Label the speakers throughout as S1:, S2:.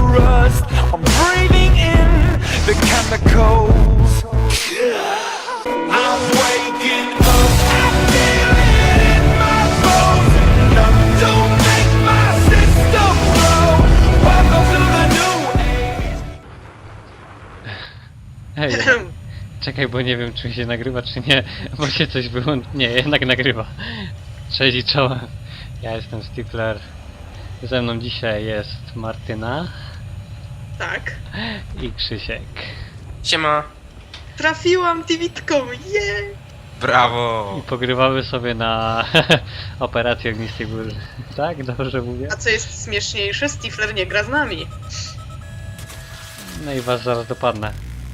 S1: rust. I'm breathing in the chemicals. I'm waking up, I feel it in my bones. Enough to make my system blow. Welcome to the new age.
S2: Hej, czekaj, bo nie wiem, czy się nagrywa, czy nie, bo się coś wyłączy. Nie, jednak nagrywa. Cześć i czołem. Ja jestem Stifler. Ze mną dzisiaj jest Martyna
S3: Tak.
S2: i Krzysiek.
S4: Siema.
S3: Trafiłam Tivitką, je!
S4: Brawo.
S2: I pogrywamy sobie na operację Ognistej Burzy. Tak? Dobrze mówię?
S3: A co jest śmieszniejsze, Stifler nie gra z nami.
S2: No i was zaraz dopadnę.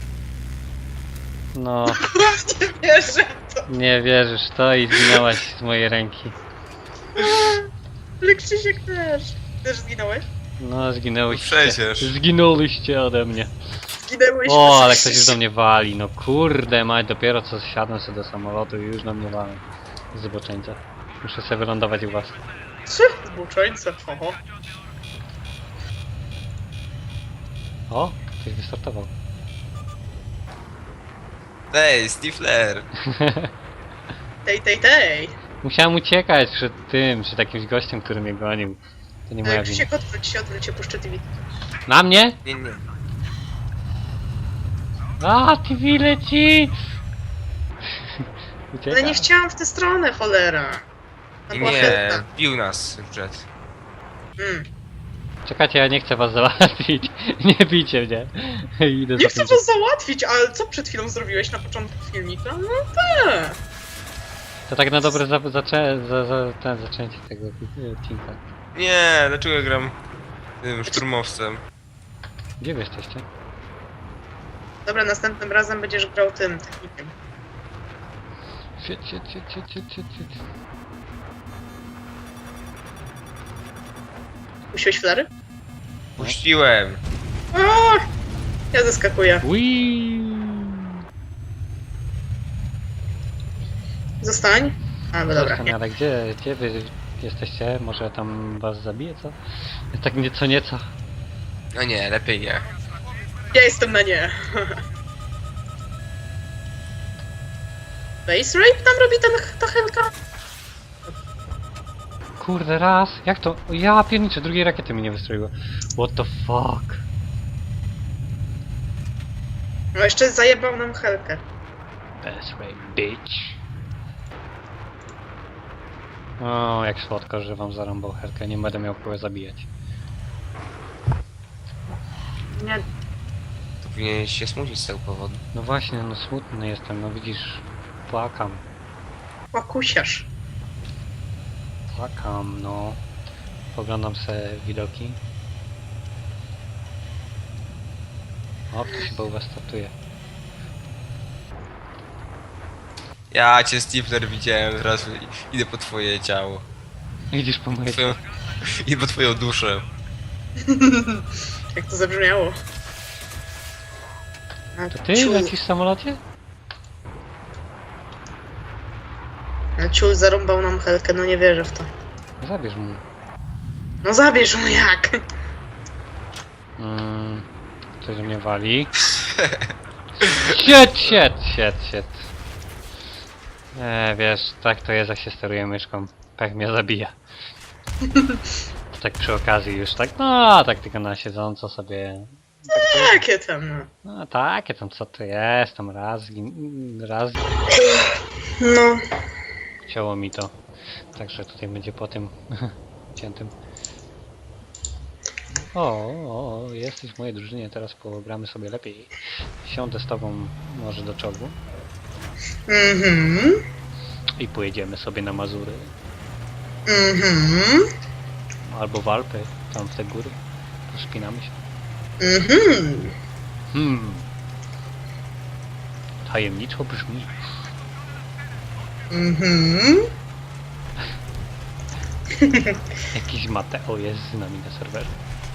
S2: No,
S3: Nie wierzę w to.
S2: nie wierzysz w to i zginęłaś z mojej ręki.
S3: Ale Krzysiek też. Też zginąłeś?
S2: No, zginęłyście.
S4: Przecież.
S2: Zginęłyście ode mnie.
S3: Zginęłeś.
S2: O, ale ktoś już do mnie wali, no kurde mać, dopiero co zsiadłem sobie do samolotu i już do mnie walą. Zboczeńca. Muszę sobie wylądować u was.
S3: Trzy zboczeńce, oho.
S2: O, ktoś wystartował.
S4: Ej, Stifler.
S3: Tej.
S2: Musiałem uciekać przed tym, przed jakimś gościem, który mnie gonił. To nie moja wina.
S3: Krzysiek, odwróć się, ja puszczę Tivit.
S2: Na mnie?
S4: Nie.
S2: A, TV leci! Uciekam.
S3: Ale nie chciałam w tę stronę, cholera. To była
S4: Nie,
S3: chętna.
S4: bił nas przed.
S2: Czekajcie, ja nie chcę was załatwić. Nie bijcie mnie. Idę
S3: Nie
S2: za
S3: chcę
S2: tym.
S3: was załatwić, ale co przed chwilą zrobiłeś na początku filmika? No tak.
S2: To tak na dobre zaczęcie tego odcinka.
S4: Nie, dlaczego ja gram tym szturmowcem?
S2: Gdzie wy jesteście?
S3: Dobra, następnym razem będziesz grał tym technikiem.
S2: Shit.
S3: Puściłeś flary?
S4: Puściłem.
S3: O! Ja zaskakuję.
S2: Wii.
S3: Zostań. A, no dobra.
S2: Ale gdzie wy jesteście? Może tam was zabiję, co? Tak nieco.
S4: No nie, lepiej nie.
S3: Ja jestem na nie. Base rape tam robi ta Helka?
S2: Kurde, raz. Jak to? O, ja pierniczę, drugiej rakiety mi nie wystroiło. What the fuck?
S3: No jeszcze zajebał nam Helkę.
S2: Best rape, bitch. O, jak słodko, że wam zarąbał herkę. Nie będę miał kogo zabijać.
S3: Nie,
S4: To powinieneś się smucić z tego powodu.
S2: No właśnie, no smutny jestem, no widzisz, płakam,
S3: łakusiarz.
S2: no. Poglądam sobie widoki. O, ktoś chyba u was startuje.
S4: Ja cię, Stifler, widziałem, teraz idę po twoje ciało.
S2: Idziesz po moje...
S4: Twoją... Idę po twoją duszę.
S3: Jak to zabrzmiało. A
S2: To ty
S3: ciul-
S2: lecisz w samolocie?
S3: a ciul zarąbał nam Helkę, no nie wierzę w to.
S2: Zabierz mu.
S3: No zabierz mu jak!
S2: Coś mnie wali. Shit. Wiesz, tak to jest, jak się steruje myszką. Pech mnie zabija. Tak przy okazji już, tak, no, tak tylko na siedząco sobie.
S3: Jakie tam, no.
S2: No takie tam, co to jest, tam raz
S3: No.
S2: ciało mi to. Także tutaj będzie po tym ciętym. O, jesteś w mojej drużynie, teraz pogramy sobie lepiej. Siądę z tobą może do czołgu i pojedziemy sobie na Mazury. Albo w Alpy, tam w te góry. Wspinamy się. Tajemniczo brzmi. Jakiś Mateo jest z nami na serwerze.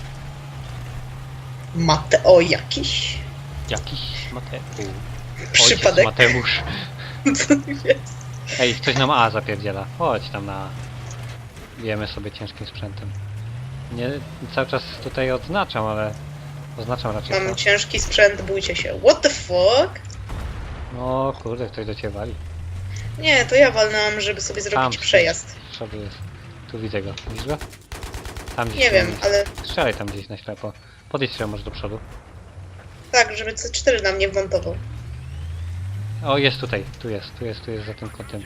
S3: Mateo jakiś.
S2: Jakiś Mateo.
S3: Przypadek.
S2: Mateusz.
S3: Co to jest?
S2: Ej, ktoś nam A zapierdziela. Chodź tam na... Bijemy sobie ciężkim sprzętem. Nie, cały czas tutaj odznaczam, ale Oznaczam raczej
S3: Mam
S2: to.
S3: ciężki sprzęt, bójcie się. What the fuck?
S2: O kurde, ktoś do ciebie wali.
S3: Nie, to ja walnęłam, żeby sobie zrobić przejazd.
S2: Z przodu jest. Tu widzę go. Widzisz go? Tam gdzieś.
S3: Nie wiem, ale
S2: Strzelaj tam gdzieś na ślepo. Podejdź się może do przodu.
S3: tak, żeby C4 na mnie wmontował.
S2: O, jest tutaj. Tu jest za tym kątem.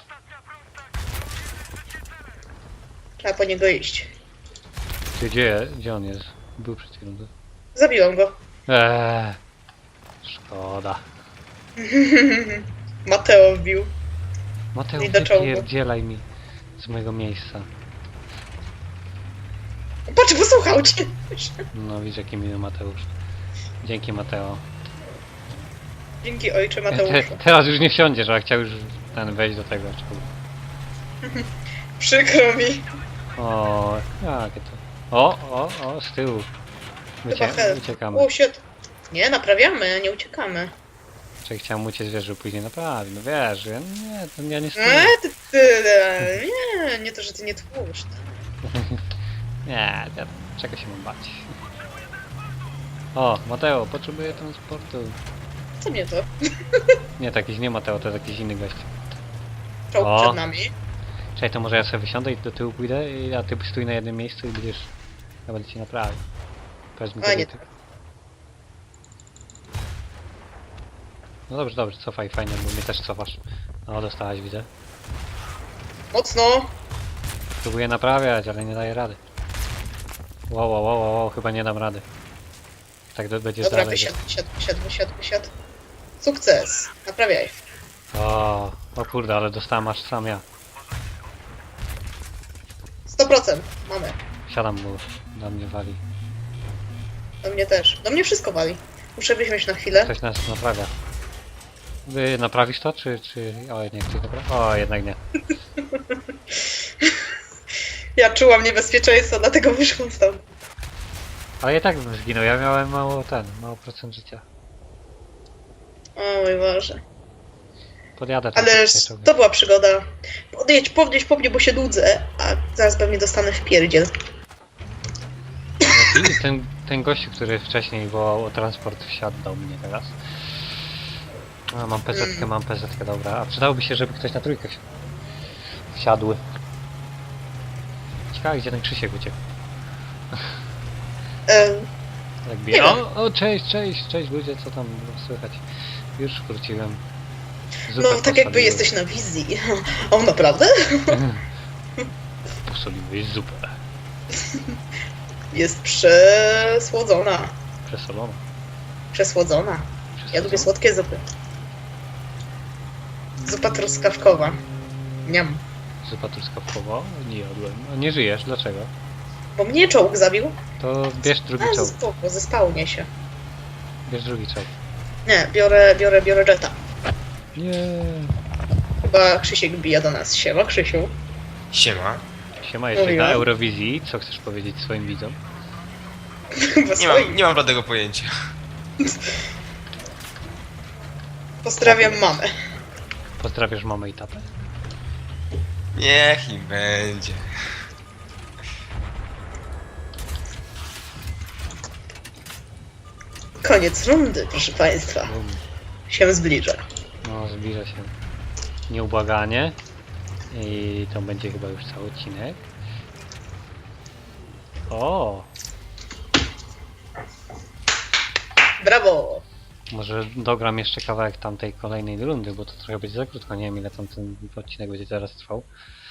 S3: Trzeba po niego iść.
S2: Gdzie on jest? Był przed chwilą.
S3: Zabiłam go.
S2: Szkoda.
S3: Mateo wbił.
S2: Mateusz,
S3: I do czołgu.
S2: wypierdzielaj mi z mojego miejsca.
S3: Patrz, posłuchał cię.
S2: No widzisz jaki miły Mateusz. Dzięki Mateo.
S3: Dzięki ojcze Mateuszu.
S2: Teraz już nie wsiądziesz, a chciał już ten wejść do tego czołgu.
S3: Przykro mi.
S2: O, jakie to. O, z tyłu.
S3: Chyba hel.
S2: Uciekamy.
S3: O, shit. Nie, naprawiamy, nie uciekamy.
S2: Czy chciałem uciec, wiesz, że później naprawi. No wiesz, ja nie stoję.
S3: Nie to, że ty nie tłuszcz.
S2: Nie, czego się mam bać? O, Mateo, potrzebuję transportu.
S3: Co mnie to?
S2: Nie, to jakiś nie Mateo, to jest jakiś inny gość.
S3: Czołg
S2: O.
S3: przed nami.
S2: Czekaj, to może ja sobie wysiądę i do tyłu pójdę, a ty stój na jednym miejscu i będziesz... Ja będę ci naprawił. Powiedz mi
S3: A, nie.
S2: tego. No dobrze, cofaj, fajnie, bo mnie też cofasz. O, dostałaś, widzę.
S3: Mocno.
S2: Próbuję naprawiać, ale nie daję rady. Wow, chyba nie dam rady. Tak będziesz
S3: Dobra,
S2: dalej.
S3: wysiadł. Sukces. Naprawiaj.
S2: O kurde, ale dostałem aż sam ja.
S3: 100%. Mamy.
S2: Siadam, bo na mnie wali.
S3: Do mnie też. Do mnie wszystko wali. Muszę wysiąść na chwilę.
S2: Ktoś nas naprawia. Wy naprawisz to, czy... O, nie, ktoś naprawia? O, jednak nie.
S3: Ja czułam niebezpieczeństwo, dlatego wyszłam stąd.
S2: Ale i tak bym zginął, ja miałem mało procent życia.
S3: O mój Boże.
S2: Podjadę tam
S3: Ale
S2: sobie czołgiem.
S3: to była przygoda. Podjedź po mnie, bo się nudzę, a zaraz pewnie dostanę w pierdziel.
S2: I ten gościu, który wcześniej wołał o transport, wsiadł do mnie teraz. A, mam PZ-kę, dobra. A przydałoby się, żeby ktoś na trójkę wsiadł. Ciekawe, gdzie ten Krzysiek uciekł. Tak bije.
S3: Nie
S2: O, cześć ludzie, co tam słychać? Już wróciłem. Zupę
S3: No, tak jakby
S2: posoliłem.
S3: jesteś na wizji. O, naprawdę?
S2: Posoliłeś zupę.
S3: Jest przesłodzona.
S2: Przesolona.
S3: Przesłodzona. Ja lubię słodkie zupy. Zupa truskawkowa. Niam.
S2: Zupa truskawkowa? Nie jadłem. A nie żyjesz, dlaczego?
S3: Bo mnie czołg zabił.
S2: To bierz drugi
S3: A,
S2: czołg.
S3: spoko, zespało mnie się.
S2: Bierz drugi czołg.
S3: Nie, biorę Jetta.
S2: Nie.
S3: Chyba Krzysiek bije do nas. Siema, Krzysiu.
S4: Siema.
S2: Siema, jesteś na
S3: Mówiłam.
S2: Eurowizji. Co chcesz powiedzieć swoim widzom?
S3: Chyba
S4: Nie mam żadnego pojęcia.
S3: Pozdrawiam mamę.
S2: Pozdrawiasz mamę i tatę?
S4: Niech im będzie.
S3: Koniec rundy, proszę państwa.
S2: Bum.
S3: Się zbliża.
S2: No, zbliża się nieubłaganie. I to będzie chyba już cały odcinek. O!
S3: Brawo!
S2: Może dogram jeszcze kawałek tamtej kolejnej rundy, bo to trochę będzie za krótko. Nie wiem, ile tam ten odcinek będzie teraz trwał.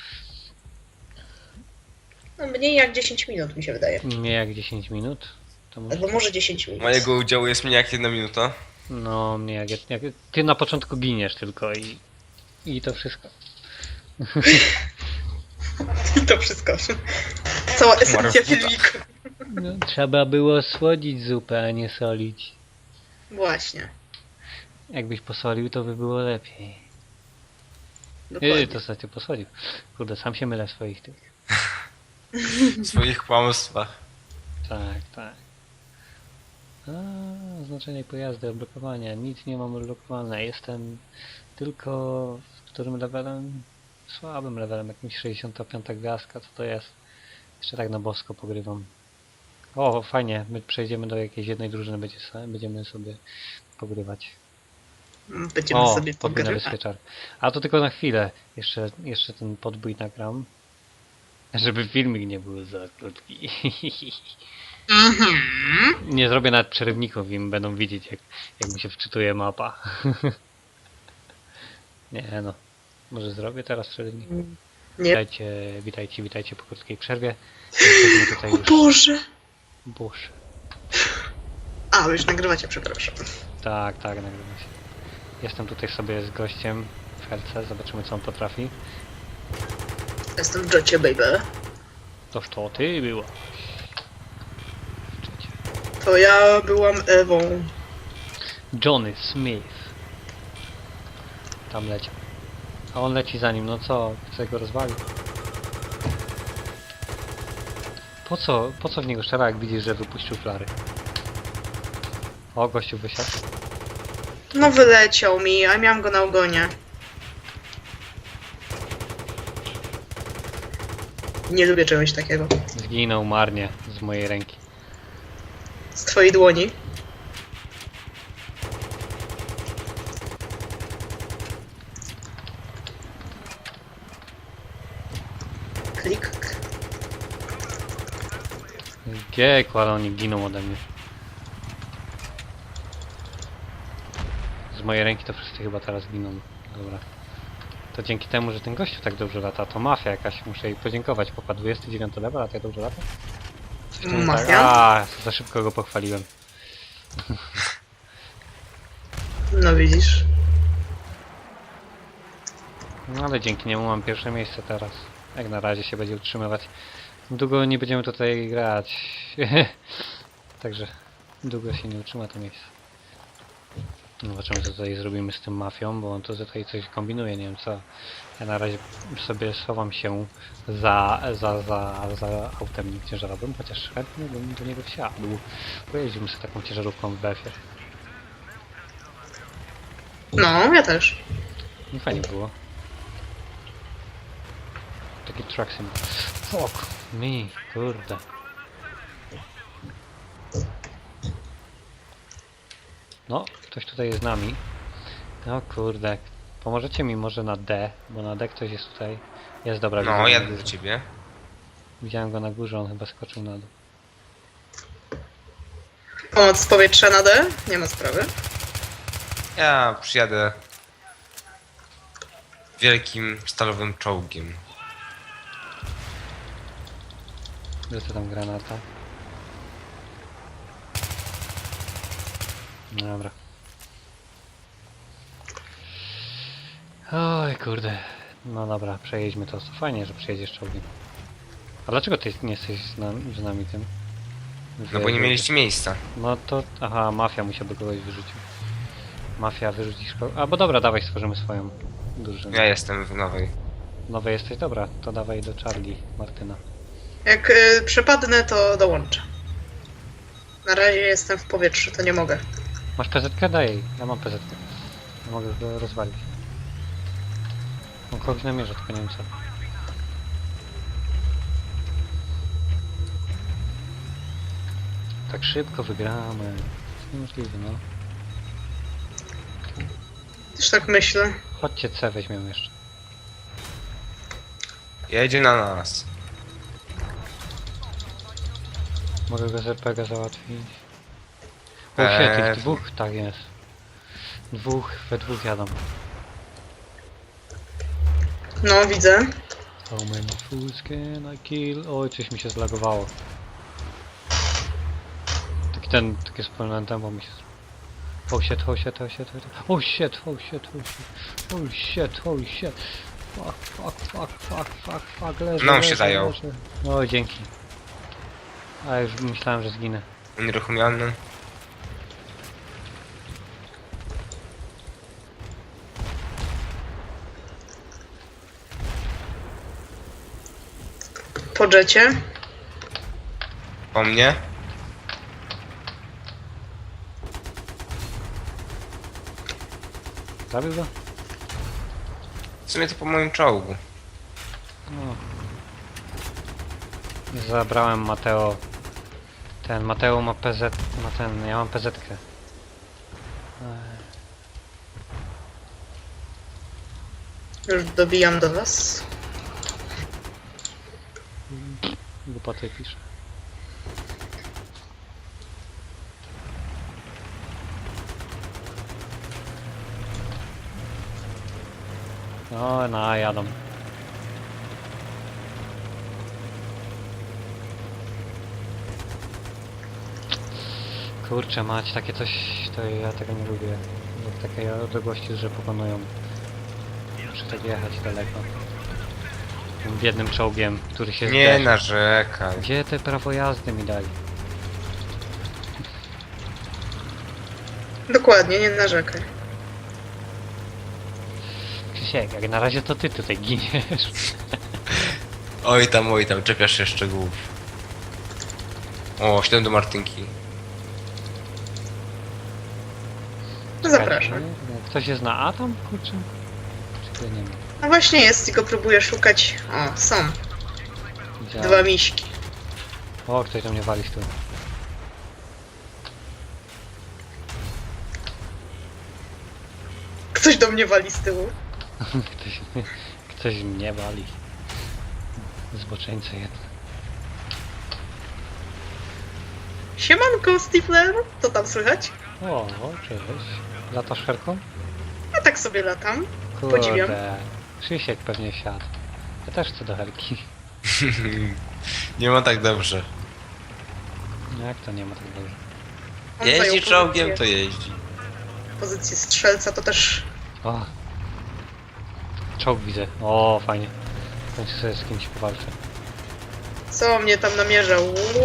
S3: No, mniej jak 10 minut mi się wydaje.
S2: Nie jak 10 minut. To może...
S3: Albo może 10 minut.
S4: Mojego udziału jest mniej jak 1 minuta.
S2: No, nie jak ty na początku giniesz tylko i to wszystko.
S3: I to wszystko. Cała esencja filmiku.
S2: No, trzeba było słodzić zupę, a nie solić.
S3: Właśnie.
S2: Jakbyś posolił, to by było lepiej.
S3: Dokładnie.
S2: To znaczy posolił. Kurde, sam się mylę w swoich tych.
S4: W swoich kłamstwach.
S2: Tak. Oznaczenie pojazdy, odblokowania. Nic nie mam odblokowane. Jestem tylko w którym levelem? Słabym levelem, jakimś 65 gwiazdka, co to jest? Jeszcze tak na bosko pogrywam. O, fajnie, my przejdziemy do jakiejś jednej drużyny, będziemy sobie pogrywać.
S3: Będziemy
S2: O,
S3: sobie
S2: podbój na
S3: pogrywać.
S2: wyspieczar. A to tylko na chwilę. Jeszcze ten podbój nagram. Żeby filmik nie był za krótki.
S3: Mhm.
S2: Nie zrobię nawet przerywników, im będą widzieć jak mi się wczytuje mapa. Nie no. Może zrobię teraz przerywnik?
S3: Nie.
S2: Witajcie po krótkiej przerwie. Jesteśmy tutaj
S3: O
S2: już.
S3: Boże!
S2: Boże.
S3: A, wy już nagrywacie, przepraszam.
S2: Tak, nagrywam się. Jestem tutaj sobie z gościem w herce, zobaczymy co on potrafi.
S3: Jestem w Jocie, baby.
S2: Toż to ty była.
S3: To ja byłam Ewą.
S2: Johnny Smith. Tam leciał. A on leci za nim, no co? Chce go rozwalić. Po co w niego strzela, jak widzisz, że wypuścił flary? O, gościu wysiadł.
S3: No wyleciał mi, a miałam go na ogonie. Nie lubię czegoś takiego.
S2: Zginął marnie z mojej ręki.
S3: Z twojej dłoni. Klik.
S2: Giekł, ale oni giną ode mnie. Z mojej ręki to wszyscy chyba teraz giną. Dobra. To dzięki temu, że ten gościu tak dobrze lata, to mafia jakaś, muszę jej podziękować. Popa 29 level, a tak dobrze lata? Coś tu nie tak.
S3: Mafia?
S2: A, za szybko go pochwaliłem.
S3: No widzisz.
S2: No ale dzięki niemu mam pierwsze miejsce teraz. Jak na razie się będzie utrzymywać. Długo nie będziemy tutaj grać. Także długo się nie utrzyma to miejsce. Zobaczymy co tutaj zrobimy z tym mafią, bo on to tutaj coś kombinuje, nie wiem co. Ja na razie sobie schowam się za autem ciężarowym, chociaż chętnie bym do niego wsiadł. Pojeździmy sobie taką ciężarówką w BF-ie.
S3: No, ja też.
S2: Nie fajnie było. Taki truck sim. Fuck me, kurde. No, ktoś tutaj jest z nami. No kurde. Pomożecie mi może na D, bo na D ktoś jest tutaj. Jest, dobra.
S4: No,
S2: widziałem
S4: jadę
S2: go.
S4: do ciebie.
S2: Widziałem go na górze, on chyba skoczył na dół.
S3: Pomoc z powietrza na D? Nie ma sprawy.
S4: Ja przyjadę wielkim stalowym czołgiem.
S2: Lecę tam granata. Dobra. Oj kurde. No dobra, przejedźmy to. Fajnie, że przejedziesz czołgiem. A dlaczego ty nie jesteś z nami tym?
S4: No bo nie mieliście miejsca.
S2: No to... Aha, mafia musiałby kogoś wyrzucić. Mafia wyrzucisz kogoś... A bo dobra, dawaj stworzymy swoją drużynę.
S4: Ja jestem w nowej.
S2: Nowy jesteś? Dobra, to dawaj do Charlie, Martyna.
S3: Jak przepadnę, to dołączę. Na razie jestem w powietrzu, to nie mogę.
S2: Masz PZ-kę? Daj jej. Ja mam PZ-kę. Ja mogę go rozwalić. On kogoś namierza, tylko nie wiem co. Tak szybko wygramy. To niemożliwe, no.
S3: Też tak myślę.
S2: Chodźcie C weźmiemy jeszcze.
S4: Jedzie na nas.
S2: Mogę go z RPG załatwić. O shit, ich dwóch, tak jest. We dwóch jadą.
S3: No, widzę.
S2: How many fools can I kill? Oj, coś mi się zlagowało. Takie wspólne tempo mi się... Oh shit. Fuck. Leży,
S4: No,
S2: leży,
S4: się zajął.
S2: leży. O, dzięki. A już myślałem, że zginę.
S4: Unieruchomiony.
S3: Po jecie.
S4: Po mnie.
S2: Zabił go?
S4: W sumie to po moim czołgu.
S2: No. Zabrałem Mateo Ten Mateo ma PZ, ma ten, ja mam PZ-kę.
S3: Już dobijam do was.
S2: Głupoty pisze. No, jadą. Kurczę mać, takie coś, to ja tego nie lubię. Jak takie odległości, że pokonują. Muszę tak jechać daleko. Tym biednym czołgiem, który się
S4: Nie
S2: zderzy.
S4: narzekaj.
S2: Gdzie te prawo jazdy mi dali?
S3: Dokładnie, nie narzekaj.
S2: Krzysiek, jak na razie to ty tutaj giniesz.
S4: Oj tam, czepiasz się szczegółów. O, 7 do Martynki.
S3: No zapraszam.
S2: Ktoś jest na A tam, kurczę? Czy to nie ma?
S3: No właśnie jest, tylko próbuję szukać. O, są.
S2: Widziałem.
S3: Dwa miśki.
S2: O, ktoś do mnie wali z tyłu.
S3: Ktoś do mnie wali z tyłu.
S2: Ktoś mnie wali. Zboczeńca jeden.
S3: Siemanko, Stifler. Co tam słychać?
S2: O, cześć. Latasz herką?
S3: Ja tak sobie latam. Podziwiam.
S2: Kurde. Krzysiek pewnie siadł. Ja też chcę do herki.
S4: Nie ma tak dobrze.
S2: No jak to nie ma tak dobrze?
S3: On
S4: Jeździ
S3: zajął
S4: czołgiem, to
S3: pozycję,
S4: jeździ.
S3: pozycję strzelca, to też...
S2: O. Czołg widzę. O, fajnie. W końcu sobie z kimś powalczę.
S3: Co mnie tam namierzał?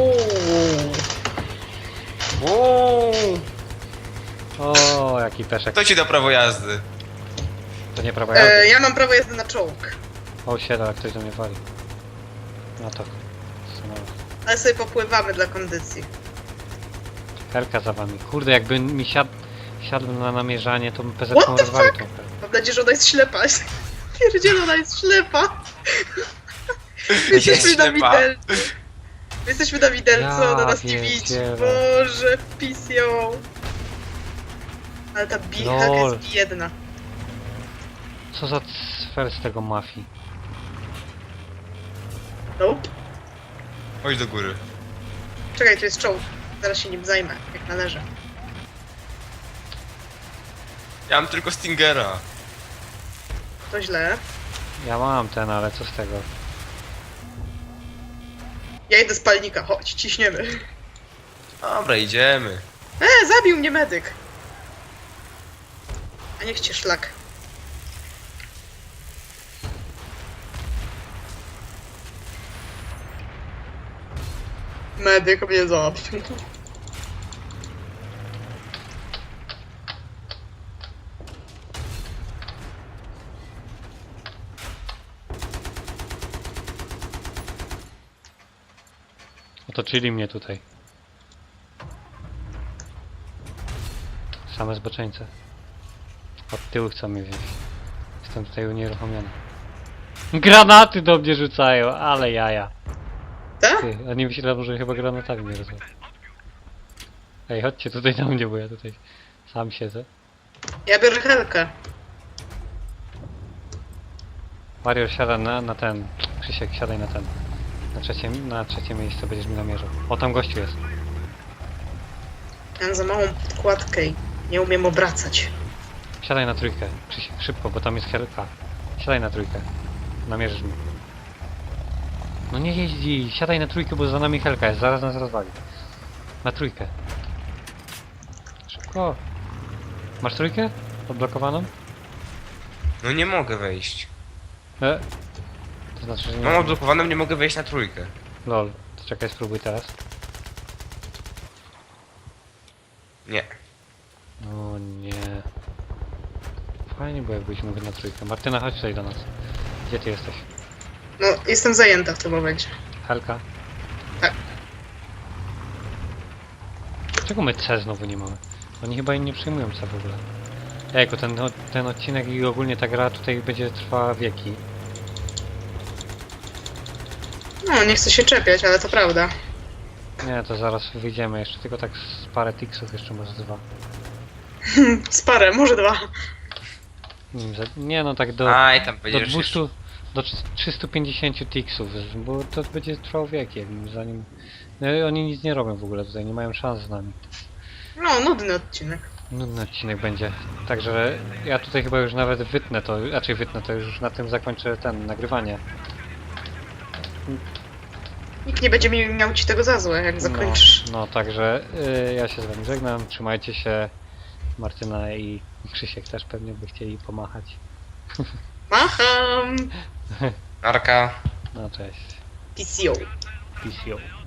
S4: Uuu,
S2: O, jaki peszek.
S4: kto ci da prawo jazdy?
S2: To nie prawa jazdy.
S3: Ja mam prawo jazdy na czołg.
S2: O, siada, jak ktoś do mnie wali. No to. Stanąłem.
S3: Ale sobie popływamy dla kondycji.
S2: Herka za wami. Kurde, jakby mi siadł na namierzanie, to bym PZ
S3: What the
S2: rozwalił
S3: fuck?
S2: tą herkę.
S3: Mam nadzieję, że ona jest ślepa. Pierdzielona, ona jest ślepa. Jesteśmy na
S4: ślepa.
S3: widelcu. Jesteśmy na widelcu,
S2: Ja
S3: ona nas nie widzi.
S2: pierdzielę.
S3: Boże, wpis ją. Ale ta bicha
S2: Lol.
S3: jest biedna.
S2: Co za sfer z tego mafii?
S3: Nope.
S4: Chodź do góry.
S3: Czekaj, tu jest czołg. Zaraz się nim zajmę, jak należy.
S4: Ja mam tylko Stingera.
S3: To źle.
S2: Ja mam ten, ale co z tego?
S3: Ja idę z palnika, chodź, ciśniemy.
S4: Dobra, idziemy.
S3: Zabił mnie medyk. A niech cię szlak. Medyk mnie zabił.
S2: Otoczyli mnie tutaj. Same zboczeńce. Od tyłu chcą mnie wziąć. Jestem tutaj unieruchomiony. Granaty do mnie rzucają, ale jaja.
S3: Tak?
S2: Ty, a nie myślałem, że chyba granatami mnie rozwalą. Ej, chodźcie tutaj na mnie, bo ja tutaj sam siedzę.
S3: Ja biorę helkę.
S2: Mario siada na ten. Krzysiek, siadaj na ten. Na trzecie miejsce będziesz mi namierzał. O, tam gościu jest.
S3: Ja mam za małą podkładkę i nie umiem obracać.
S2: Siadaj na trójkę. Krzysiek, szybko, bo tam jest helka. Siadaj na trójkę. Namierzysz mi. No nie jeździ, siadaj na trójkę, bo za nami helka jest, zaraz nas rozwali. Na trójkę. Szybko. Masz trójkę? Odblokowaną?
S4: No nie mogę wejść.
S2: To znaczy, że nie.
S4: Mam odblokowaną, nie mogę wejść na trójkę.
S2: Lol, to czekaj, spróbuj teraz.
S4: Nie.
S2: O nie. Fajnie było, jakbyś mógł na trójkę. Martyna, chodź tutaj do nas. Gdzie ty jesteś?
S3: No, jestem zajęta w tym momencie.
S2: Helka?
S3: Tak.
S2: Czego my C znowu nie mamy? Oni chyba nie przyjmują C w ogóle. Ejku, ten odcinek i ogólnie ta gra tutaj będzie trwała wieki.
S3: No, nie chcę się czepiać, ale to prawda.
S2: Nie, to zaraz wyjdziemy jeszcze, tylko tak z parę tiksów, jeszcze może 2.
S3: Z parę, może 2.
S2: Nie no, tak do
S4: Aj, tam
S2: do
S4: będziesz
S2: 200, do 350 tiksów, bo to będzie trwało wiekiem, zanim... No, i oni nic nie robią w ogóle tutaj, nie mają szans z nami.
S3: No, nudny odcinek.
S2: Nudny odcinek będzie. Także ja tutaj chyba już nawet wytnę to, raczej wytnę to, już na tym zakończę nagrywanie.
S3: Nikt nie będzie miał ci tego za złe, jak zakończysz.
S2: No, także ja się z wami żegnam, trzymajcie się. Martyna i Krzysiek też pewnie by chcieli pomachać.
S3: Macham!
S4: Arka.
S2: No cześć.
S3: PCO.
S2: PCO.